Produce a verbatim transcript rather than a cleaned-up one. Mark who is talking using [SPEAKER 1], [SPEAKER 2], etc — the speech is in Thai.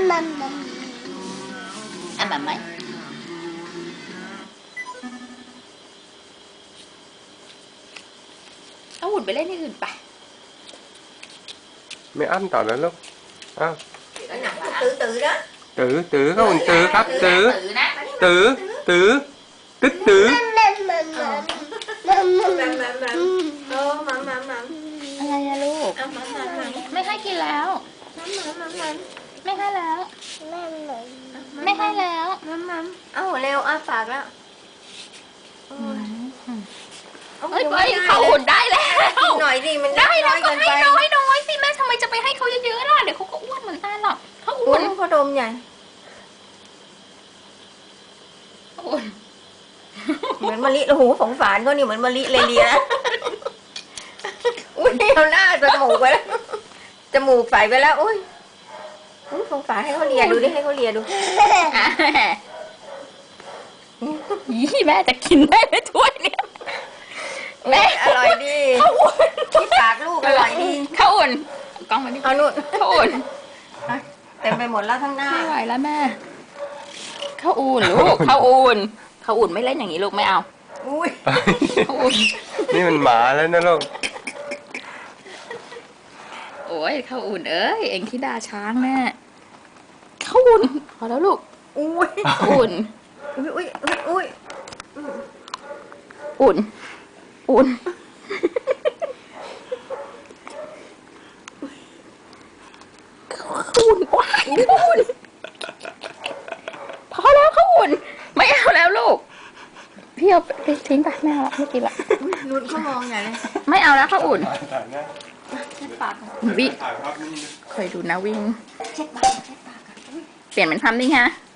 [SPEAKER 1] มัมมัมอ่ะมัมไหมเอาหุ่นไปเล่นที่อื่นไป
[SPEAKER 2] ไม่อั้นต่อแล้วลูกอ้าว
[SPEAKER 3] tự tự đó
[SPEAKER 2] tử tử có mình tử khắp tử
[SPEAKER 1] ตื่นนะ
[SPEAKER 2] tử tử tích tử
[SPEAKER 3] mầm mầm mầm ô mầm mầm mầm
[SPEAKER 1] อะไรอะลูก
[SPEAKER 3] mầm mầm mầm
[SPEAKER 1] ไม่ให้กินแล้ว
[SPEAKER 3] mầm mầm mầm
[SPEAKER 1] ไม่ให้แล้ว ไม่ให้แล้ว
[SPEAKER 3] mầm mầm áo leo á phạt đó
[SPEAKER 1] เฮ้ยไปเขาหุ่นได้แล้ว
[SPEAKER 3] หน่อยดิมัน
[SPEAKER 1] ได้
[SPEAKER 3] น้
[SPEAKER 1] แล้
[SPEAKER 3] อ
[SPEAKER 1] วย ก็
[SPEAKER 3] เกิน
[SPEAKER 1] ให้
[SPEAKER 3] ไป
[SPEAKER 1] น้อยน้อยสิแม่ทำไมจะไปให้เขาเยอะๆล่ะเดี๋ยวเขาก็อ้วนเหมือนกันหรอกเขาอ้
[SPEAKER 3] อ้
[SPEAKER 1] ว
[SPEAKER 3] วน นเขาดมใหญ่
[SPEAKER 1] เขาอ้วน
[SPEAKER 3] เหมือนมะลิโอ้โหสงสารเขานี่เหมือนมะลิเลยเลียอุ้ยเอาหน้าจมูกไปแล้วจมูกใส่ไปแล้วอุ้ยอุ้ยสงสารให้เขาเลียดูดิให้เขาเลียดู
[SPEAKER 1] ยี่แม่จะกินได้ไหมถ้วยเนี่ยแม่
[SPEAKER 3] อร่อยดี
[SPEAKER 1] เขาอ้วน
[SPEAKER 3] ที่ปากลูกอร่อยดี
[SPEAKER 1] เขาอ้วนกล้องมาดิ
[SPEAKER 3] เอานู่น
[SPEAKER 1] เขาอ้วน
[SPEAKER 3] เต็มไปหมดแล้วทั้งหน้า
[SPEAKER 1] ไม่ไหวแล้วแม่เขาอุ่นลูกเขาอุ่นเขาอุ่นไม่เล่นอย่างนี้ลูกไม่เอา
[SPEAKER 3] อุ้ย
[SPEAKER 1] เขาอุ่น
[SPEAKER 2] นี่มันหมาแล้วนะลูก
[SPEAKER 1] โอ้ยเขาอุ่นเอ้ยเอ็งที่ดาช้างแม่เขาอุ่นพอแล้วลูก
[SPEAKER 3] อุ้ย
[SPEAKER 1] อุ่น
[SPEAKER 3] อุ้ยอุ้ยอุ้ย
[SPEAKER 1] อุ่นอุ่นเขาอุ่นว้ายเขาอุ่นพอแล้วเขาอุ่นไม่เอาแล้วลูกพี่เอาไปทิ้งไปไม่เอาละไม่กินละ
[SPEAKER 3] นุ่นเขามองใหญ่เลย
[SPEAKER 1] ไม่เอาแล้วเขาอุ่น
[SPEAKER 2] ถ่ายนะ
[SPEAKER 3] เช็ดปาก
[SPEAKER 1] วิ่ง
[SPEAKER 2] ถ่ายภาพนี้
[SPEAKER 1] เคยดูนะวิ่ง
[SPEAKER 3] เช็ดปากเช็ดปาก
[SPEAKER 1] เปลี่ยนเป็นทำดิฮะ